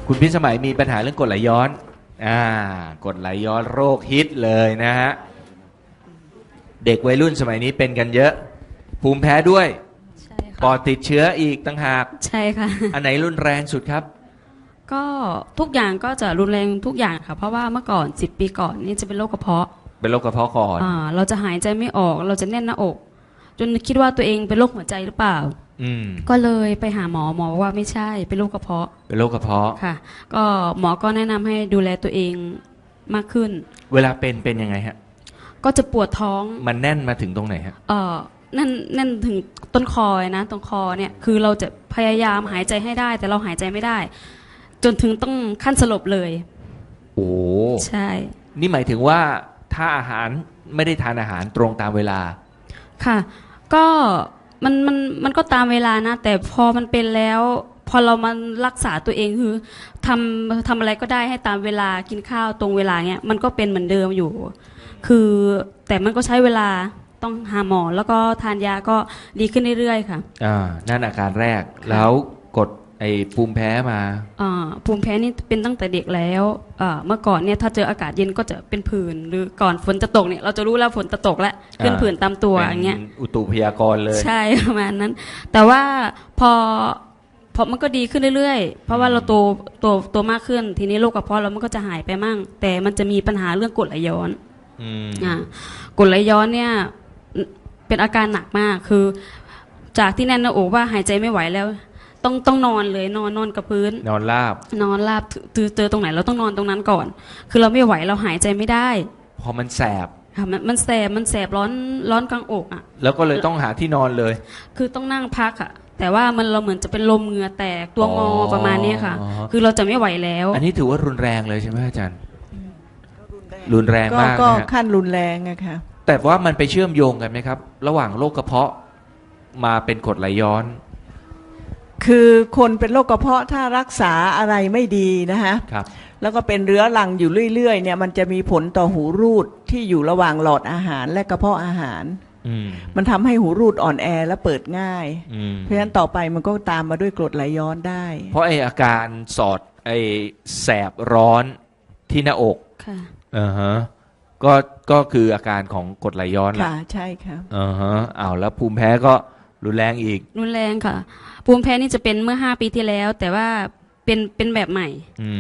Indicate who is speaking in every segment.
Speaker 1: คุณพิสมัยมีปัญหาเรื่องกรดไหลย้อนกรดไหลย้อนโรคฮิตเลยนะฮะเด็กวัยรุ่นสมัยนี้เป็นกันเยอะภูมิแพ้ด้วย
Speaker 2: ใช่
Speaker 1: ปอด
Speaker 2: ค่ะ
Speaker 1: ติดเชื้ออีกต่างหาก
Speaker 2: ใช่ค่ะ
Speaker 1: อันไหนรุนแรงสุดครับ
Speaker 2: ก็ทุกอย่างก็จะรุนแรงทุกอย่างค่ะเพราะว่าเมื่อก่อน10 ปีก่อนนี่จะเป็นโรคกระเพาะ
Speaker 1: เป็นโรคกระเพาะก่อน
Speaker 2: เราจะหายใจไม่ออกเราจะแน่นหน้าอกจนคิดว่าตัวเองเป็นโรคหัวใจหรือเปล่าก็เลยไปหาหมอบอกว่าไม่ใช่เป็นโรคกระเพาะ
Speaker 1: เป็นโรคกระเพาะ
Speaker 2: ค่ะก็หมอก็แนะนำให้ดูแลตัวเองมากขึ้น
Speaker 1: เวลาเป็นยังไงฮะ
Speaker 2: ก็จะปวดท้อง
Speaker 1: มันแน่นมาถึงตรงไหนฮะ
Speaker 2: แน่นถึงต้นคอนะตรงคอเนี่ยคือเราจะพยายามหายใจให้ได้แต่เราหายใจไม่ได้จนถึงต้องขั้นสลบเลย
Speaker 1: โอ้
Speaker 2: ใช่
Speaker 1: นี่หมายถึงว่าถ้าอาหารไม่ได้ทานอาหารตรงตามเวลา
Speaker 2: ค่ะก็มันก็ตามเวลานะแต่พอมันเป็นแล้วพอเรามารักษาตัวเองคือทำอะไรก็ได้ให้ตามเวลากินข้าวตรงเวลาเนี้ยมันก็เป็นเหมือนเดิมอยู่คือแต่มันก็ใช้เวลาต้องหาหมอแล้วก็ทานยาก็ดีขึ้นเรื่อยๆค่ะ
Speaker 1: นั่นอาการแรกแล้วกดไอ้ภูมิแพ้มา
Speaker 2: ภูมิแพ้นี่เป็นตั้งแต่เด็กแล้วเมื่อก่อนเนี่ยถ้าเจออากาศเย็นก็จะเป็นผื่นหรือก่อนฝนจะตกเนี่ยเราจะรู้แล้วฝนจะตกแล้วขึ้นผื่นตามตัวอย่างเงี้ย
Speaker 1: อุตุพยากรณ์เลย
Speaker 2: ใช่ประมาณนั้นแต่ว่าพอมันก็ดีขึ้นเรื่อยๆเพราะว่าเราโตมากขึ้นทีนี้โรคกระเพาะเรามันก็จะหายไปมั่งแต่มันจะมีปัญหาเรื่องกรดไหลย้อนกรดไหลย้อนเนี่ยเป็นอาการหนักมากคือจากที่แน่นหน้าอกว่าหายใจไม่ไหวแล้วต้องนอนเลยนอนกับพื้น
Speaker 1: นอนราบ
Speaker 2: เจอตรงไหนเราต้องนอนตรงนั้นก่อนคือเราไม่ไหวเราหายใจไม่ได้
Speaker 1: พอมันแสบ
Speaker 2: ค่ะมันแสบร้อนกลางอกอ่ะ
Speaker 1: แล้วก็เลยต้องหาที่นอนเลย
Speaker 2: คือต้องนั่งพักอ่ะแต่ว่าเราเหมือนจะเป็นลมเหงื่อแตกตัวงอประมาณนี้ค่ะคือเราจะไม่ไหวแล้ว
Speaker 1: อันนี้ถือว่ารุนแรงเลยใช่ไหมอาจารย์รุนแรงมาก
Speaker 3: ก็ขั้นรุนแรงอะค่ะ
Speaker 1: แต่ว่ามันไปเชื่อมโยงกันไหมครับระหว่างโรคกระเพาะมาเป็นกรดไหลย้อน
Speaker 3: คือคนเป็นโรคกระเพาะถ้ารักษาอะไรไม่ดีนะฮะแล้วก็เป็นเรื้อรังอยู่เรื่อยๆเนี่ยมันจะมีผลต่อหูรูดที่อยู่ระหว่างหลอดอาหารและกระเพาะอาหารมันทำให้หูรูดอ่อนแอและเปิดง่ายเพราะฉะนั้นต่อไปมันก็ตามมาด้วยกรดไหลย้อนได้
Speaker 1: เพราะไออาการสอดไอแสบร้อนที่หน้าอก
Speaker 2: ค่ะ
Speaker 1: ก็คืออาการของกรดไหลย้อนแหละ
Speaker 3: ค่ะใช่ค่ะ
Speaker 1: แล้วภูมิแพ้ก็รุนแรงอีก
Speaker 2: รุนแรงค่ะภูมิแพ้นี่จะเป็นเมื่อ5 ปีที่แล้วแต่ว่าเป็นแบบใหม่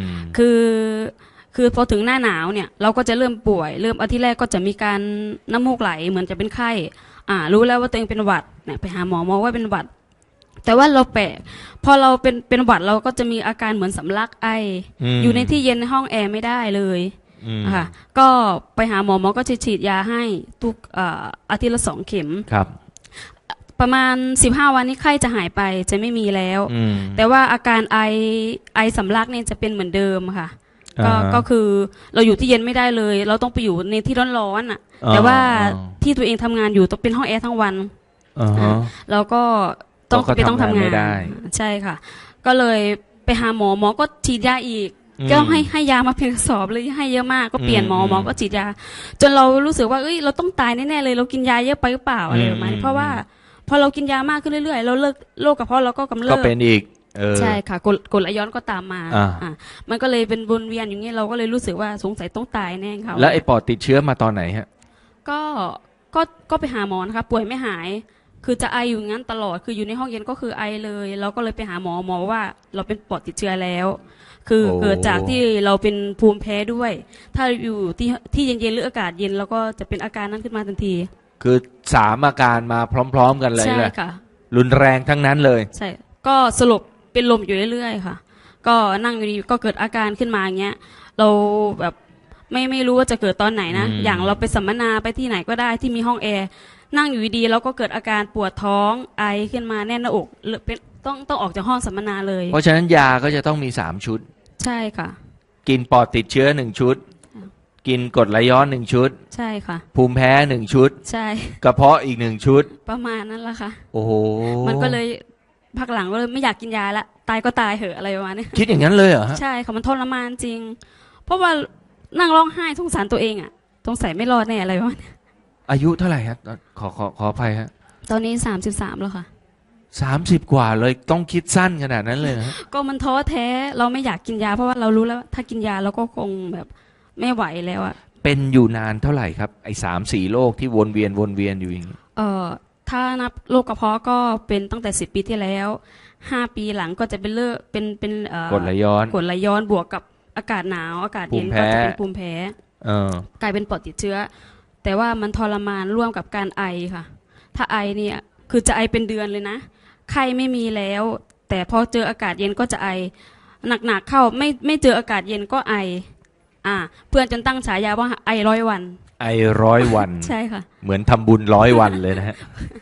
Speaker 2: คือพอถึงหน้าหนาวเนี่ยเราก็จะเริ่มป่วยเริ่มอาทิตย์แรกก็จะมีการน้ำมูกไหลเหมือนจะเป็นไข้รู้แล้วว่าตัวเองเป็นหวัดเนี่ยไปหาหมอว่าเป็นหวัดแต่ว่าเราแปลกพอเราเป็นหวัดเราก็จะมีอาการเหมือนสำลักไออยู่ในที่เย็นในห้องแอร์ไม่ได้เลยค่ะก็ไปหาหมอก็จะฉีดยาให้ทุกอาทิตย์ละ2 เข็ม
Speaker 1: ครับ
Speaker 2: ประมาณ15 วันนี้ไข้จะหายไปจะไม่มีแล้วแต่ว่าอาการไอสำลักเนี่ยจะเป็นเหมือนเดิมค่ะก็คือเราอยู่ที่เย็นไม่ได้เลยเราต้องไปอยู่ในที่ร้อนๆอ่ะแต่ว่าที่ตัวเองทำงานอยู่ต้องเป็นห้องแอร์ทั้งวันเราก็ต้องทำงานใช่ค่ะก็เลยไปหาหมอก็ฉีดยาอีกก็ให้ยามาเพียงกระสอบเลยให้เยอะมากก็เปลี่ยนหมอก็ฉีดยาจนเรารู้สึกว่าเราต้องตายแน่ๆเลยเรากินยาเยอะไปหรือเปล่าอะไรประมาณนี้เพราะว่าพอเรากินยามากขึ้นเรื่อยๆเราเลิกโรคกระเพาะเราก็กำเริบ
Speaker 1: ก็เป็นอีก
Speaker 2: ใช่ค่ะกรดไหลย้อนก็ตามมามันก็เลยเป็นวนเวียนอย่างนี้เราก็เลยรู้สึกว่าสงสัยต้องตายแน่ค่ะ
Speaker 1: แล้วไอ้ปอดติดเชื้อมาตอนไหนฮะ
Speaker 2: ก็ไปหาหมอนะคะป่วยไม่หายคือจะไออยู่งั้นตลอดคืออยู่ในห้องเย็นก็คือไอเลยเราก็เลยไปหาหมอว่าเราเป็นปอดติดเชื้อแล้วคือเกิดจากที่เราเป็นภูมิแพ้ด้วยถ้าอยู่ที่เย็นๆหรืออากาศเย็นเราก็จะเป็นอาการนั้นขึ้นมาทันที
Speaker 1: คือ3 อาการมาพร้อมๆกันเลย
Speaker 2: ใช่ค่ะ
Speaker 1: รุนแรงทั้งนั้นเลย
Speaker 2: ใช่ก็สลบเป็นลมอยู่เรื่อยๆค่ะก็นั่งอยู่ดีก็เกิดอาการขึ้นมาอย่างเงี้ยเราแบบไม่รู้ว่าจะเกิดตอนไหนนะอย่างเราไปสัมมนาไปที่ไหนก็ได้ที่มีห้องแอร์นั่งอยู่ดีเราก็เกิดอาการปวดท้องไอขึ้นมาแน่นหน้าอกเป็นต้องออกจากห้องสัมมนาเลย
Speaker 1: เพราะฉะนั้นยาก็จะต้องมี3 ชุด
Speaker 2: ใช่ค่ะ
Speaker 1: กินปอดติดเชื้อ1 ชุดกินกรดไหลย้อน1 ชุด
Speaker 2: ใช่ค่ะ
Speaker 1: ภูมิแพ้1 ชุด
Speaker 2: ใช่
Speaker 1: กระเพาะอีก1 ชุด
Speaker 2: ประมาณนั้นละค่ะ
Speaker 1: โอ้โห
Speaker 2: มันก็เลยพักหลังก็เลยไม่อยากกินยาละตายก็ตายเหอะอะไรประมาณนี้
Speaker 1: คิดอย่างนั้นเลยเหรอ
Speaker 2: ใช่ค่ะมันทรมานจริงเพราะว่านั่งร้องไห้สงสารตัวเองอ่ะสงสัยไม่รอดแน่อะไรประมาณนี้
Speaker 1: อายุเท่าไหร่ครับขออภัยฮะ
Speaker 2: ตอนนี้33แล้วค่ะ
Speaker 1: 30 กว่าเลยต้องคิดสั้นขนาดนั้นเลยนะ
Speaker 2: ก็มันท้อแท้เราไม่อยากกินยาเพราะว่าเรารู้แล้วถ้ากินยาเราก็คงแบบไม่ไหวแล้วอะ
Speaker 1: เป็นอยู่นานเท่าไหร่ครับไอ้3-4โรคที่วนเวียนอยู่อย่างนี้
Speaker 2: ถ้านับโรคกระเพาะก็เป็นตั้งแต่10 ปีที่แล้ว5 ปีหลังก็จะเป็นเลือดเป็น
Speaker 1: กรดไหลย้อน
Speaker 2: กรดไหลย้อนบวกกับอากาศหนาวอากาศเย็นก็จะเป็นภูมิแพ้กลายเป็นปอดติดเชื้อแต่ว่ามันทรมานร่วมกับการไอค่ะถ้าไอเนี่ยคือจะไอเป็นเดือนเลยนะไข้ไม่มีแล้วแต่พอเจออากาศเย็นก็จะไอหนักๆเข้าไม่เจออากาศเย็นก็ไอเพื่อนจนตั้งฉายาว่าไอ100 วัน
Speaker 1: ไอ100 วัน
Speaker 2: ใช่ค่ะ
Speaker 1: เหมือนทำบุญ100 วันเลยนะฮะ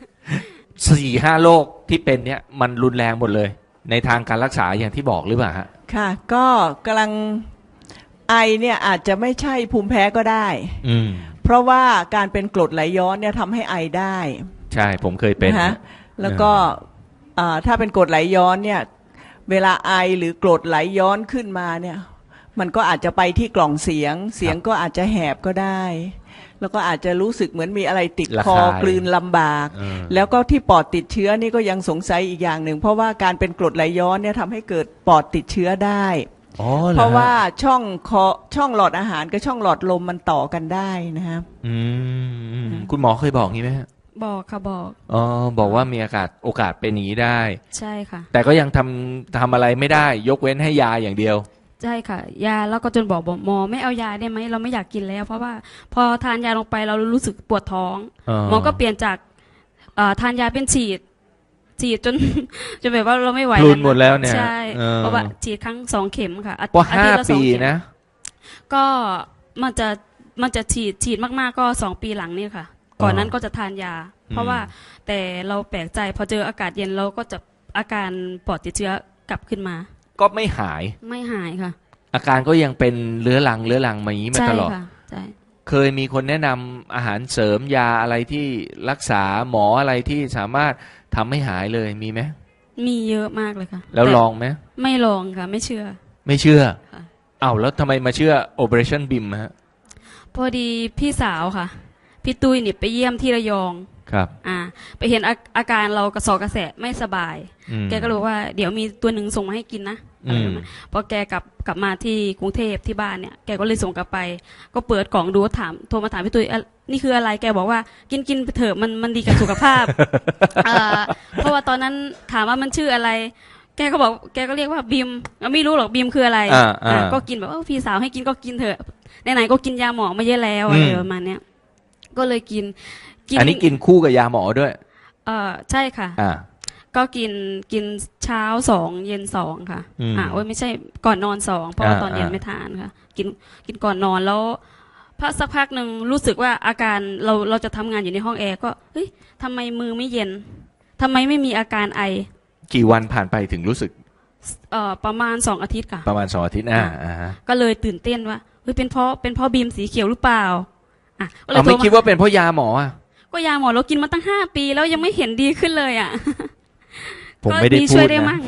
Speaker 1: 4-5 โรคที่เป็นเนี่ยมันรุนแรงหมดเลยในทางการรักษาอย่างที่บอกหรือเปล่าฮะ
Speaker 3: ค่ะก็กำลังไอเนี่ยอาจจะไม่ใช่ภูมิแพ้ก็ได้เพราะว่าการเป็นกรดไหลย้อนเนี่ยทำให้ไอได้
Speaker 1: ใช่ผมเคยเป็น
Speaker 3: นะแล้วก็ถ้าเป็นกรดไหลย้อนเนี่ยเวลาไอหรือกรดไหลย้อนขึ้นมาเนี่ยมันก็อาจจะไปที่กล่องเสียงก็อาจจะแหบก็ได้แล้วก็อาจจะรู้สึกเหมือนมีอะไรติดคอกลืนลำบากแล้วก็ที่ปอดติดเชื้อนี่ก็ยังสงสัยอีกอย่างหนึ่งเพราะว่าการเป็นกรดไหลย้อนเนี่ยทำให้เกิดปอดติดเชื้อได้เพราะว่าช่องหลอดอาหารกับช่องหลอดลมมันต่อกันได้นะครับ
Speaker 1: คุณหมอเคยบอกงี้ไหมฮะ
Speaker 2: บอกค่ะบอก
Speaker 1: บอกว่ามีโอกาสเป็นอย่างนี้ได้
Speaker 2: ใช่ค่ะ
Speaker 1: แต่ก็ยังทำอะไรไม่ได้ยกเว้นให้ยาอย่างเดียว
Speaker 2: ใช่ค่ะยาแล้วก็จนบอกหมอไม่เอายาได้ไหมเราไม่อยากกินแล้วเพราะว่าพอทานยาลงไปเรารู้สึกปวดท้องหมอก็เปลี่ยนจากทานยาเป็นฉีดจนแบบว่าเราไม่ไหว
Speaker 1: พลุนหมดแล้วเนี่ย
Speaker 2: ใช่เพราะว่าฉีดครั้ง2 เข็มค่ะ
Speaker 1: พอ5 ปีนะ
Speaker 2: ก็มันจะฉีดมากๆก็2 ปีหลังนี่ค่ะก่อนนั้นก็จะทานยาเพราะว่าแต่เราแปลกใจพอเจออากาศเย็นเราก็จะอาการปอดติดเชื้อกลับขึ้นมา
Speaker 1: ก็ไม่หาย
Speaker 2: ค่ะ
Speaker 1: อาการก็ยังเป็นเรื้อรังมาอย่างนี้มาตลอด
Speaker 2: ใช่
Speaker 1: เคยมีคนแนะนำอาหารเสริมยาอะไรที่รักษาหมออะไรที่สามารถทำให้หายเลยมีไหม
Speaker 2: มีเยอะมากเลยค่ะ
Speaker 1: แล้วลองไหม
Speaker 2: ไม่ลองค่ะไม่เชื่อ
Speaker 1: แล้วทำไมมาเชื่อ Operation BIM ฮะ
Speaker 2: พอดีพี่สาวค่ะพี่ตุ้ยนี่ไปเยี่ยมที่ระยอง
Speaker 1: ครับ
Speaker 2: ไปเห็นอาการเรากระสอบกระแสะไม่สบายแกก็รู้ว่าเดี๋ยวมีตัวหนึ่งส่งมาให้กินนะพอแกกลับมาที่กรุงเทพที่บ้านเนี่ยแกก็เลยส่งกลับไปก็เปิดกล่องดูโทรมาถามพี่ตุ้ยนี่คืออะไรแกบอกว่ากินไปเถอะมันดีกับสุขภาพ เพราะว่าตอนนั้นถามว่ามันชื่ออะไรแกก็เรียกว่าบิมไม่รู้หรอกบิมคืออะไรก็กินแบบพี่สาวให้กินก็กินเถอะไหนๆก็กินยาหมอมาเยอะแล้วอะไรประมาณเนี้ยก็เลยกิน
Speaker 1: อันนี้กินคู่กับยาหมอด้วย
Speaker 2: ใช่ค่ะก็กินเช้า2เย็น2ค่ะไม่ใช่ก่อนนอน2เพราะว่าตอนเย็นไม่ทานค่ะกินก่อนนอนแล้วสักพักหนึ่งรู้สึกว่าอาการเราจะทำงานอยู่ในห้องแอร์ก็เฮ้ยทำไมมือไม่เย็นทำไมไม่มีอาการไอ
Speaker 1: กี่วันผ่านไปถึงรู้สึก
Speaker 2: ประมาณ2 อาทิตย์ค่ะ
Speaker 1: ประมาณ2 อาทิตย์
Speaker 2: ก็เลยตื่นเต้นว่าเฮ้ยเป็นเพราะบีมสีเขียวหรือเปล่า
Speaker 1: เราไม่คิดว่าเป็นเพราะยาหมอ
Speaker 2: ก็ยาหมอเรากินมาตั้ง5 ปีแล้วยังไม่เห็นดีขึ้นเลย
Speaker 1: ผมไม่ได้พูดนะ
Speaker 2: ช่วยได้มั่ง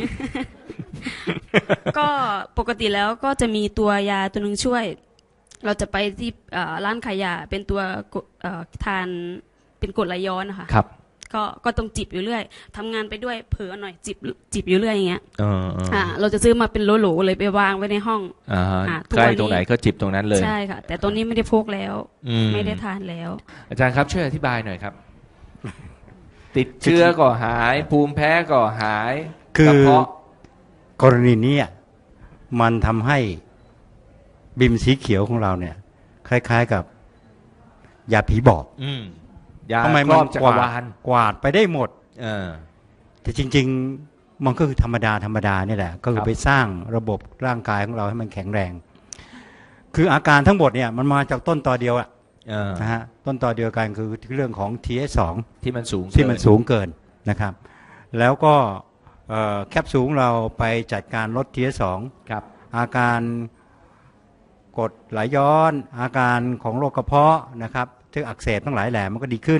Speaker 2: ก็ปกติแล้วก็จะมีตัวยาตัวนึงช่วยเราจะไปที่ร้านขายยาเป็นตัวทานเป็นกรดไหลย้อนนะคะ
Speaker 1: ครับ
Speaker 2: ก็ต้องจิบอยู่เรื่อยทำงานไปด้วยเผลอหน่อยจิบอยู่เรื่อยอย่างเงี้ยเราจะซื้อมาเป็นโหลๆเลยไปวางไว้ในห้อง
Speaker 1: ใกล้ตรงไหนก็จิบตรงนั้นเลย
Speaker 2: ใช่ค่ะแต่ตอนนี้ไม่ได้พกแล้วไม่ได้ทานแล้ว
Speaker 1: อาจารย์ครับช่วยอธิบายหน่อยครับติดเชื้อก็หายภูมิแพ้ก็หาย
Speaker 4: คือกรณีนี้มันทำให้บิมสีเขียวของเราเนี่ยคล้ายๆกับยาผีบอกทำไมมันกวาดไปได้หมดแต่จริงๆมันก็คือธรรมดานี่แหละก็คือไปสร้างระบบร่างกายของเราให้มันแข็งแรงคืออาการทั้งหมดเนี่ยมันมาจากต้นตอเดียวนะฮะต้นตอเดียวกันคือเรื่องของ TH2
Speaker 1: ที่มัน
Speaker 4: สูงเกินนะครับแล้วก็แคปซูลเราไปจัดการลด TH2
Speaker 1: ครับ
Speaker 4: อาการกรดไหลย้อนอาการของโรคกระเพาะนะครับที่อักเสบทั้งหลายแหล่มันก็ดีขึ้น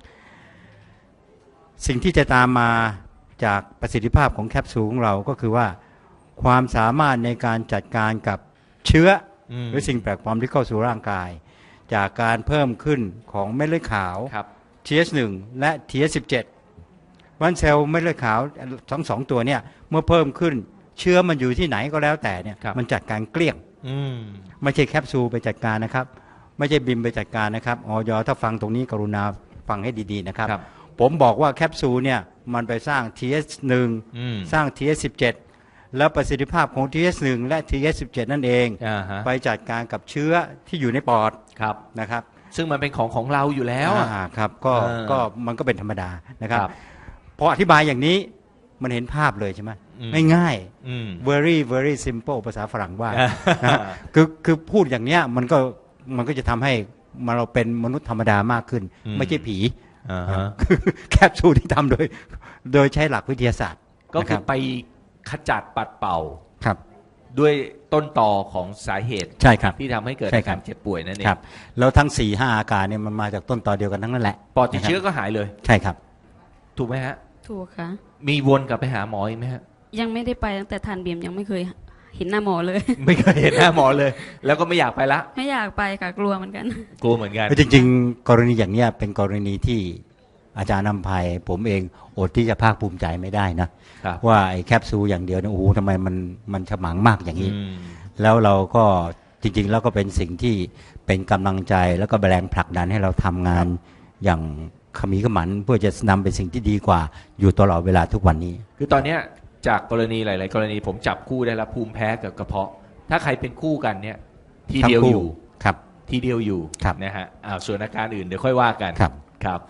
Speaker 4: สิ่งที่จะตามมาจากประสิทธิภาพของแคปซูลของเราก็คือว่าความสามารถในการจัดการกับเชื้อหรือสิ่งแปลกปลอมที่เข้าสู่ร่างกายจากการเพิ่มขึ้นของเม็ดเลือดขาว TH1 และ TH17 เพวันเซลล์เม็ดเลือดขาวทั้งสองตัวเนี่ยเมื่อเพิ่มขึ้นเชื้อมันอยู่ที่ไหนก็แล้วแต่เนี่ยมันจัดการเกลี้ยงไม่ใช่แคปซูลไปจัดการนะครับไม่ใช่บิมไปจัดการนะครับอย.ถ้าฟังตรงนี้กรุณาฟังให้ดีๆนะครับผมบอกว่าแคปซูลเนี่ยมันไปสร้าง TH1 สร้าง TH17 แล้วประสิทธิภาพของ TH1 และ TH17 นั่นเองไปจัดการกับเชื้อที่อยู่ในปอดนะครับ
Speaker 1: ซึ่งมันเป็นของเราอยู่แล้ว
Speaker 4: ครับก็มันก็เป็นธรรมดานะครับพออธิบายอย่างนี้มันเห็นภาพเลยใช่ไหมง่ายๆ very very simple ภาษาฝรั่งว่าคือพูดอย่างเนี้ยมันก็จะทำให้เราเป็นมนุษย์ธรรมดามากขึ้นไม่ใช่ผีแคปซูลที่ทำโดยใช้หลักวิทยาศาสตร์
Speaker 1: ก็คือไปขจัดปัดเป่า
Speaker 4: ครับ
Speaker 1: ด้วยต้นตอของสาเหตุ
Speaker 4: ใช่ครับ
Speaker 1: ที่ทำให้เกิดอาการเจ็บป่วยนั่นเอง
Speaker 4: ครับแล้วทั้ง 4-5 อาการเนี่ยมันมาจากต้นตอเดียวกันทั้งนั้นแหละ
Speaker 1: ปอดติดเชื้อก็หายเลย
Speaker 4: ใช่ครับ
Speaker 1: ถูกไหมฮะ
Speaker 2: ถูกค่ะ
Speaker 1: มีวนกลับไปหาหมออีกไหมฮะ
Speaker 2: ยังไม่ได้ไปตั้งแต่ทานเบียมยังไม่เคยเห็นหน้าหมอเลย
Speaker 1: ไม่เคยเห็นหน้าหมอเลยแล้วก็ไม่อยากไปละ
Speaker 2: ไม่อยากไปค่ะกลัวเหมือนกัน
Speaker 4: จริงๆกรณีอย่างเนี้ยเป็นกรณีที่อาจารย์นำภัยผมเองอดที่จะภาคภูมิใจไม่ได้นะว่าไอ้แคปซูลอย่างเดียวเนี่ยโอ้โหทำไมมันฉมังมากอย่างนี้แล้วเราก็จริงๆแล้วก็เป็นสิ่งที่เป็นกำลังใจแล้วก็แรงผลักดันให้เราทำงานอย่างขมีขมันเพื่อจะนำเป็นสิ่งที่ดีกว่าอยู่ตลอดเวลาทุกวันนี้
Speaker 1: คือตอนเนี้ยจากกรณีหลายๆกรณีผมจับคู่ได้แล้วภูมิแพ้กับกระเพาะถ้าใครเป็นคู่กันเนี่ยทีเดียวอยู่
Speaker 4: ครับ
Speaker 1: ทีเดียวอยู่นะฮะส่วนอาการอื่นเดี๋ยวค่อยว่ากันครับ